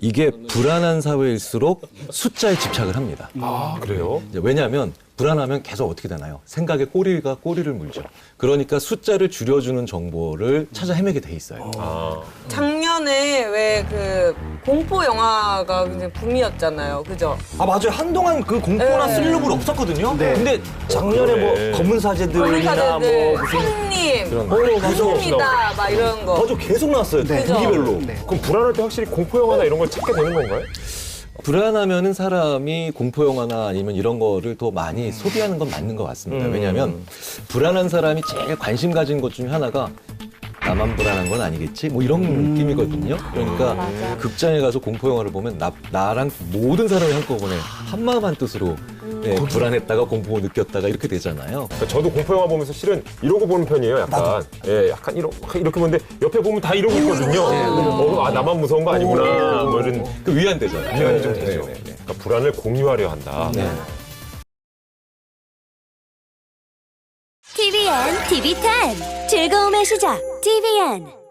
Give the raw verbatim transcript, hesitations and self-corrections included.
이게 불안한 사회일수록 숫자에 집착을 합니다. 아, 그래요? 이제 왜냐하면 불안하면 계속 어떻게 되나요? 생각에 꼬리가 꼬리를 물죠. 그러니까 숫자를 줄여주는 정보를 찾아 헤매게 돼 있어요. 아. 작년에 왜 그 공포 영화가 굉장히 붐이었잖아요. 그죠? 아 맞아요. 한동안 그 공포나 네. 스릴러물 없었거든요. 네. 근데 작년에 그러네. 뭐 검은 사제들이나 검사들, 뭐 무슨 손님, 그런 거. 어, 맞아. 손입니다, 막 이런 거. 맞아 계속 나왔어요. 네. 분기별로. 네. 그럼 불안할 때 확실히 공포 영화나 이런 걸 찾게 되는 건가요? 불안하면은 사람이 공포 영화나 아니면 이런 거를 더 많이 소비하는 건 맞는 것 같습니다. 음. 왜냐하면 불안한 사람이 제일 관심 가진 것 중에 하나가 나만 불안한 건 아니겠지? 뭐 이런 느낌이거든요. 그러니까 맞아. 극장에 가서 공포 영화를 보면 나, 나랑 모든 사람이 한꺼번에 한마음 한뜻으로 예, 불안했다가 공포 느꼈다가 이렇게 되잖아요. 그러니까 저도 공포 영화 보면서 실은 이러고 보는 편이에요. 약간 예, 약간 이러, 이렇게 보는데 옆에 보면 다 이러고 있거든요. 어, 아 나만 무서운 거 아니구나. 뭐 이런 그 위안되잖아요. 위안이 좀 네, 되죠. 네, 네. 그러니까 불안을 공유하려 한다. 네. 티비엔 티비 텐 즐거움의 시작 티비엔